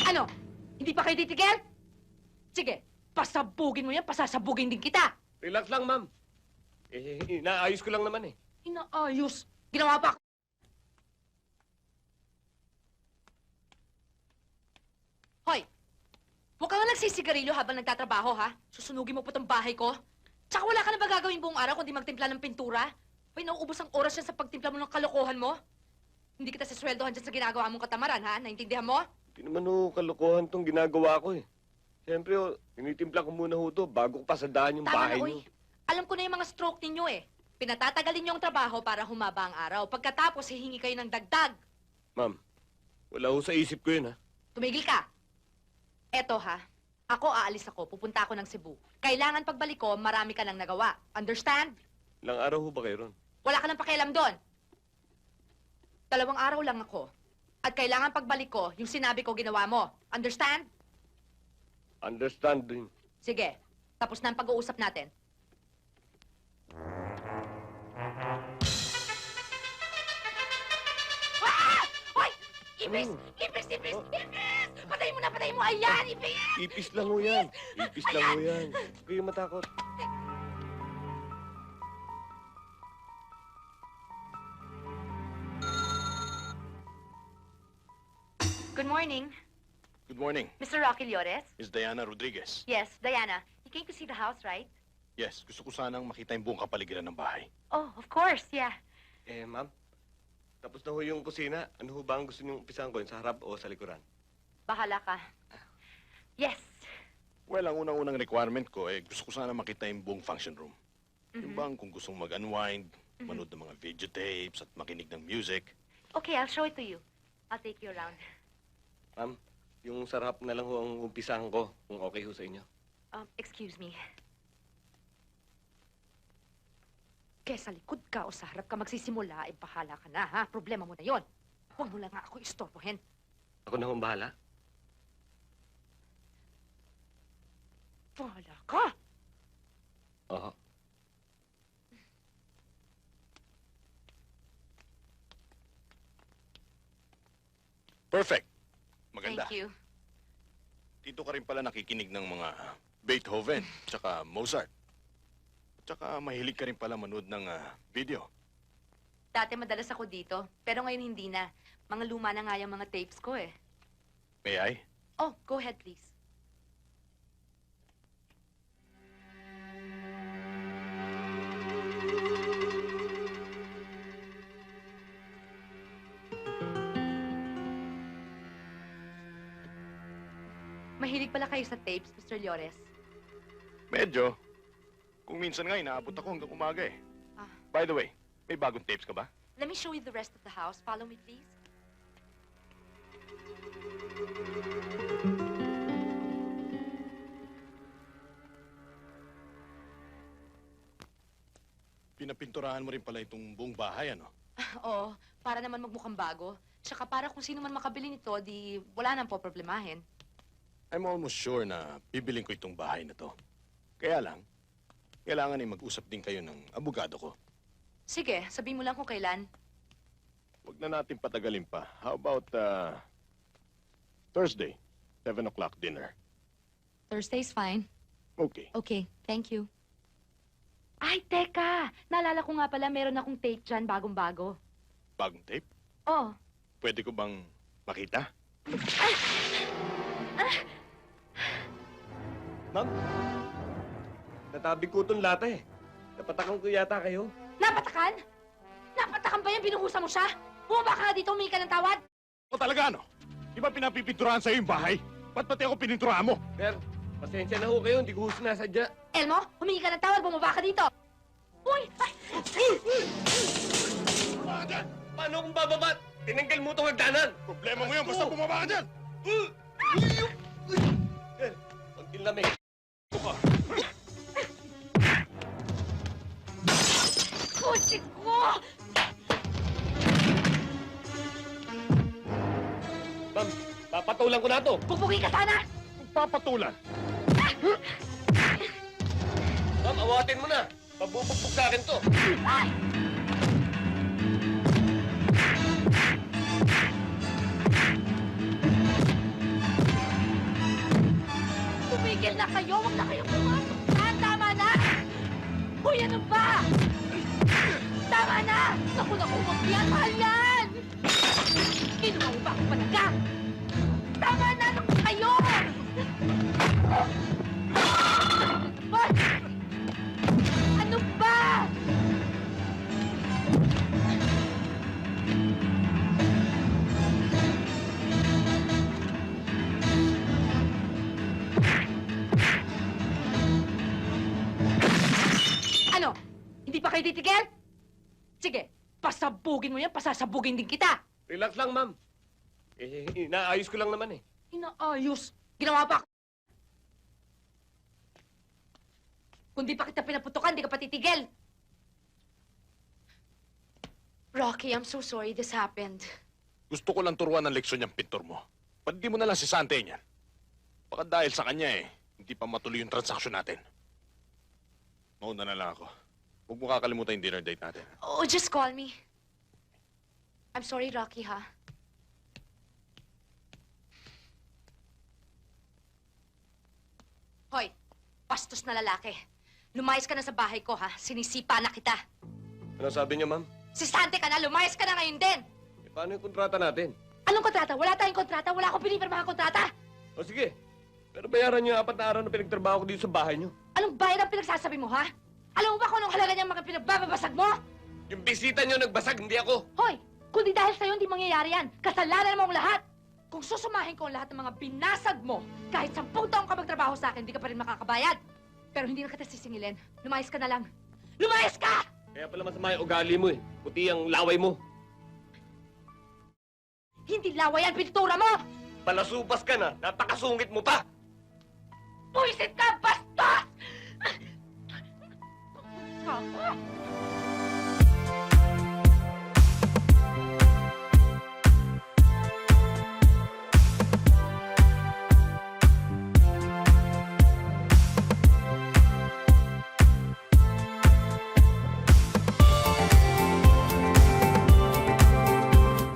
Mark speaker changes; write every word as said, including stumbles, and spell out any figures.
Speaker 1: Ano? Hindi pa kayo titigil? Sige, pasabugin mo yan, pasasabugin din kita.
Speaker 2: Relax lang, ma'am. Eh, inaayos ko lang naman eh.
Speaker 1: Inaayos. Ginawa pa. Hoy! Huwag ka nga nagsisigarilyo habang nagtatrabaho, ha? Susunugin mo po itong bahay ko. Tsaka wala ka na ba gagawin buong araw kundi magtimpla ng pintura? Hoy, nauubos ang oras yan sa pagtimpla mo ng kalokohan mo. Hindi kita sasweldohan dyan sa ginagawa mong katamaran, ha? Naintindihan mo?
Speaker 2: Hindi naman ho kalokohan tong ginagawa ko eh. Siyempre ho, tinitimpla ko muna ho to bago ko pasadaan yung
Speaker 1: Tama
Speaker 2: bahay
Speaker 1: na,
Speaker 2: niyo.
Speaker 1: oy. Alam ko na yung mga stroke ninyo, eh. Pinatatagalin niyo ang trabaho para humaba ang araw. Pagkatapos, hihingi kayo ng dagdag.
Speaker 2: Ma'am, wala ho sa isip ko yun ha.
Speaker 1: Tumigil ka. Eto, ha? Ako, aalis ako. Pupunta ako ng Cebu. Kailangan pagbalik ko, marami ka nang nagawa. Understand?
Speaker 2: Ilang araw ho ba kayo ron?
Speaker 1: Wala ka nang pakialam doon. Dalawang araw lang ako. At kailangan pagbalik ko, yung sinabi ko ginawa mo. Understand?
Speaker 2: Understand din.
Speaker 1: Sige. Tapos na ang pag-uusap natin. Ah! Hoy! Ipis!
Speaker 2: Ano?
Speaker 1: Ipis! Ipis!
Speaker 2: Oh.
Speaker 1: Ipis! Patayin mo na! Patayin mo! Ayan! Ipis!
Speaker 2: Ipis lang ho yan. Ipis lang ho yan. Huwag kayong matakot.
Speaker 1: Good morning.
Speaker 3: Good morning.
Speaker 1: Mister Rocky Llores?
Speaker 3: Miss Diana Rodriguez.
Speaker 1: Yes, Diana. You came to see the house, right?
Speaker 3: Yes, gusto ko sanang makita yung buong kapaligiran ng bahay.
Speaker 1: Oh, of course, yeah.
Speaker 2: Eh, ma'am. Tapos na ho yung kusina. Ano ho ba ang gusto niyong umpisahan ko? Sa harap o sa likuran?
Speaker 1: Bahala ka. Yes.
Speaker 3: Well, ang unang-unang requirement ko, eh, gusto ko sana makita yung buong function room. Yung
Speaker 1: Mhm.
Speaker 3: bang kung gustong mag-unwind, manood ng mga videotapes at makinig ng music.
Speaker 1: Okay, I'll show it to you. I'll take you around.
Speaker 2: Ma'am, yung sa harap na lang ho ang umpisahan ko. Kung okay ho sa inyo.
Speaker 1: Um, excuse me. Kaya sa likod ka o sa harap ka magsisimula, eh bahala ka na, ha? Problema mo na yon. Huwag mo lang nga ako istorbohin.
Speaker 2: Ako na ho ang bahala.
Speaker 1: Bahala ka!
Speaker 2: Oo.
Speaker 3: Perfect! Maganda.
Speaker 1: Thank you.
Speaker 3: Dito ka rin pala nakikinig ng mga Beethoven, tsaka Mozart. Tsaka mahilig ka rin pala manood ng ah, video.
Speaker 1: Dati madalas ako dito, pero ngayon hindi na. Mga luma na nga yung mga tapes ko, eh.
Speaker 3: May I?
Speaker 1: Oh, go ahead, please. Mahilig pala kayo sa tapes, Mister Llores.
Speaker 3: Medyo. Kung minsan nga, inaabot ako hanggang umaga eh.
Speaker 1: Ah.
Speaker 3: By the way, may bagong tapes ka ba?
Speaker 1: Let me show you the rest of the house. Follow me, please.
Speaker 3: Pinapinturahan mo rin pala itong buong bahay, ano?
Speaker 1: Oo, para naman magmukhang bago. Tsaka para kung sino man makabili nito, di wala nang po problemahin.
Speaker 3: I'm almost sure na bibiling ko itong bahay na to. Kaya lang, kailangan ay mag-usap din kayo ng abogado ko.
Speaker 1: Sige, sabihin mo lang kung kailan.
Speaker 3: Huwag na natin patagalin pa. How about, uh, Thursday, seven o'clock dinner?
Speaker 1: Thursday's fine.
Speaker 3: Okay.
Speaker 1: Okay, thank you. Ay, teka! Naalala ko nga pala, meron akong tape dyan, bagong-bago.
Speaker 3: Bagong tape?
Speaker 1: Oh.
Speaker 3: Pwede ko bang makita?
Speaker 1: Ay!
Speaker 2: Ma'am, natabi ko itong lata eh. Napatakan ko yata kayo.
Speaker 1: Napatakan? Napatakan ba yan? Binuhusan mo siya? Bumaba ka nga dito, humingi ka ng tawad?
Speaker 3: O talaga, ano? Di ba pinapipinturahan sa'yo yung bahay? Ba't pati ako pininturahan mo?
Speaker 2: Sir, pasensya na ho kayo. Hindi ko ho sinasadya.
Speaker 1: Elmo, humingi ka ng tawad, bumaba ka dito! Uy! Ay!
Speaker 2: Bumaba ka dyan! Paano kung bababa? Tinanggal mo itong hagdanan!
Speaker 3: Problema mo yun, basta bumaba ka dyan!
Speaker 2: Sir, pag tinlamig. Buka.
Speaker 1: Kutsi ko!
Speaker 2: Ma'am, papatulan ko na to.
Speaker 1: Bubugi ka sana!
Speaker 3: Papatulan!
Speaker 2: Ma'am, awatin mo na. Pabubugbog sa akin to.
Speaker 1: Ay! na kayo! Huwag na kayo pumasok! Ah, tama na! Hoy, ano ba? Tama na! Naku, naku, huwag yan! Mahal yan! Kinuha mo ba ako palaga? Tama na! Naku kayo! What? Ano ba? Ano? Hindi pa kayo titigil? Sige, pasabugin mo yan, pasasabugin din kita.
Speaker 2: Relax lang, ma'am. Eh, inaayos ko lang naman eh.
Speaker 1: Inaayos. Ginawa pa ako. Kung di pa kita pinaputukan, di ka pa titigil. Rocky, I'm so sorry this happened.
Speaker 3: Gusto ko lang turuan ng leksyon yung pintor mo. Ba't di mo na lang si Sante niyan? Baka dahil sa kanya eh, hindi pa matuloy yung transaksyon natin. Mauna na lang ako. Huwag mo kakalimutan yung dinner date natin.
Speaker 1: Oh, just call me. I'm sorry, Rocky, ha? Hoy, bastos na lalaki. Lumayas ka na sa bahay ko, ha? Sinisipa na kita.
Speaker 2: Ano sabi niyo, ma'am?
Speaker 1: Si Sante ka na, lumayas ka na ngayon din.
Speaker 2: Eh, paano yung kontrata natin?
Speaker 1: Anong kontrata? Wala tayong kontrata. Wala akong pinipirmahan kontrata.
Speaker 2: O sige, pero bayaran niyo yung apat na araw na pinagtrabaho ko dito sa bahay niyo.
Speaker 1: Anong bayad ang pinagsasabi mo, ha? Alam mo ba kung anong halaga niyang mga pinagbababasag mo?
Speaker 2: Yung bisita niyo nagbasag, hindi ako.
Speaker 1: Hoy, kundi dahil sa'yo hindi mangyayari yan. Kasalanan mo ang lahat. Kung susumahin ko ang lahat ng mga binasag mo, kahit sampung taong ka magtrabaho sa akin, hindi ka pa rin makakabayad. Pero hindi na kita sisingilin. Lumayas ka na lang. Lumayas ka!
Speaker 2: Kaya pala masama yung ugali mo eh. Puti ang laway mo.
Speaker 1: Hindi laway ang pintura mo!
Speaker 2: Palasubas ka na, napakasungit mo pa!
Speaker 1: Puisit ka, bastos! Ako.